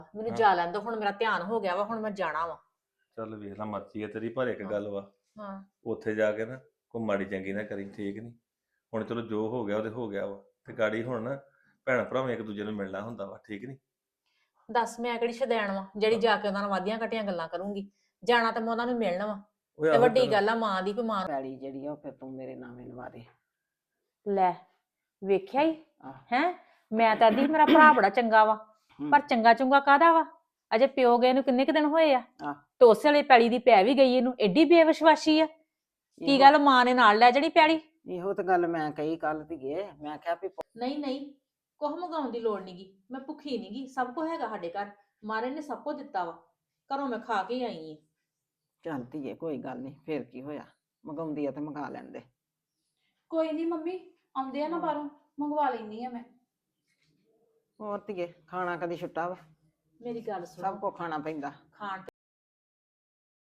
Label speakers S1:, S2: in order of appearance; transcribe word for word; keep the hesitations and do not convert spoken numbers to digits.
S1: ਮੈਨੂੰ ਜਾ ਲੈਣ ਦੋ, ਹੁਣ ਮੇਰਾ ਧਿਆਨ ਹੋ ਗਿਆ ਵਾ, ਹੁਣ ਮੈਂ ਜਾਣਾ ਵਾ।
S2: ਚੱਲ ਵੇਖ ਲਾ, ਮਰਜ਼ੀ ਹੈ ਤੇਰੀ, ਪਰ ਇੱਕ ਗੱਲ ਵਾ,
S1: ਹਾਂ
S2: ਉੱਥੇ ਜਾ ਕੇ ਨਾ ਕੋਈ ਮਾੜੀ ਚੰਗੀ ਨਾ ਕਰੀ, ਠੀਕ ਨਹੀਂ? ਹੁਣ ਚਲੋ ਜੋ ਹੋ ਗਿਆ ਉਹ ਤੇ ਹੋ ਗਿਆ ਵਾ, ਤੇ ਗਾੜੀ ਹੁਣ ਨਾ ਭੈਣ ਭਰਾਵਾਂ ਇੱਕ ਦੂਜੇ ਨੂੰ ਮਿਲਣਾ ਹੁੰਦਾ ਵਾ, ਠੀਕ ਨਹੀਂ?
S1: ਦੱਸ ਮੈਂ ਕਿਹੜੀ ਸ਼ਦੈਣ ਵਾ ਜਿਹੜੀ ਜਾ ਕੇ ਉਹਨਾਂ ਨਾਲ ਵਾਧੀਆਂ ਘਟੀਆਂ ਗੱਲਾਂ ਕਰੂੰਗੀ। ਜਾਣਾ ਤਾਂ ਮੈਂ ਉਹਨਾਂ ਨੂੰ ਮਿਲਣ ਵਾ।
S2: ਓਏ
S1: ਤੇ
S2: ਆਹੋ
S1: ਵੱਡੀ
S2: ਚੱਲ।
S1: ਗੱਲ ਆ ਮਾਂ ਦੀ, ਵੀ ਮਾਂ
S3: ਪੈਲੀ ਜਿਹੜੀ ਆ ਉਹ ਫਿਰ ਤੂੰ ਮੇਰੇ ਨਾਵੇਂ ਲਵਾ ਦੇ।
S1: ਲੈ ਵੇਖਿਆ ਹੀ
S3: ਆਹ।
S1: ਹੈ। ਮੈਂ ਤਾਂ ਆਦੀ ਮੇਰਾ ਭਰਾ ਬੜਾ ਚੰਗਾ ਵਾ,
S3: ਹੂੰ।
S1: ਪਰ ਚੰਗਾ ਚੁੰਗਾ ਕਾਹਦਾ ਵਾ? ਅਜੇ ਪਿਓ ਗਏ ਨੂੰ ਕਿੰਨੇ ਕੁ ਦਿਨ ਹੋਏ ਆ,
S3: ਆਹ।
S1: ਤੇ ਉਸੇ ਵਾਲੀ ਪੈਲੀ ਦੀ ਪੈ ਵੀ ਗਈ ਇਹਨੂੰ, ਐਡੀ ਬੇਵਿਸ਼ਵਾਸੀ ਆ। ਕੀ
S3: ਇਹੋ-
S1: ਗੱਲ ਮਾਂ ਨੇ ਨਾਲ ਲੈ ਜਿਹੜੀ ਪੈਲੀ?
S3: ਇਹੋ ਤਾਂ ਗੱਲ ਮੈਂ ਕਹੀ ਕੱਲ ਧੀਏ, ਮੈਂ ਕਿਹਾ ਵੀ ਪੁੱਤ
S1: ਨਹੀਂ ਨਹੀਂ, ਕੁਝ ਮੰਗਾਉਣ ਦੀ ਲੋੜ ਨਹੀਂਗੀ, ਮੈਂ ਭੁੱਖੀ ਨਹੀਂਗੀ, ਸਭ ਕੁਝ ਹੈਗਾ ਸਾਡੇ ਘਰ, ਮਾਰੇ ਨੇ ਸਭ ਕੁਝ ਦਿੱਤਾ ਵਾ, ਘਰੋਂ ਮੈਂ ਖਾ ਕੇ ਆਈ ਆ।
S3: ਚੱਲ ਧੀਏ ਕੋਈ ਗੱਲ ਨਹੀਂ, ਫੇਰ ਕੀ ਹੋਇਆ, ਮੰਗਾਉਂਦੀ ਆ ਤੇ ਮੰਗਾ ਲੈਂਦੇ।
S4: ਕੋਈ ਨਹੀਂ ਮੰਮੀ, ਆਉਂਦੇ ਆ ਨਾ ਬਾਹਰੋਂ, ਮੰਗਵਾ ਲੈਣੀ ਆ ਮੈਂ।
S3: ਹੋਰ ਧੀਏ ਖਾਣਾ ਕਦੀ ਛੁੱਟਾ ਵਾ,
S1: ਮੇਰੀ ਗੱਲ ਸੁਣ,
S3: ਸਭ ਕੋ ਖਾਣਾ ਪੈਂਦਾ।
S1: ਖਾਣ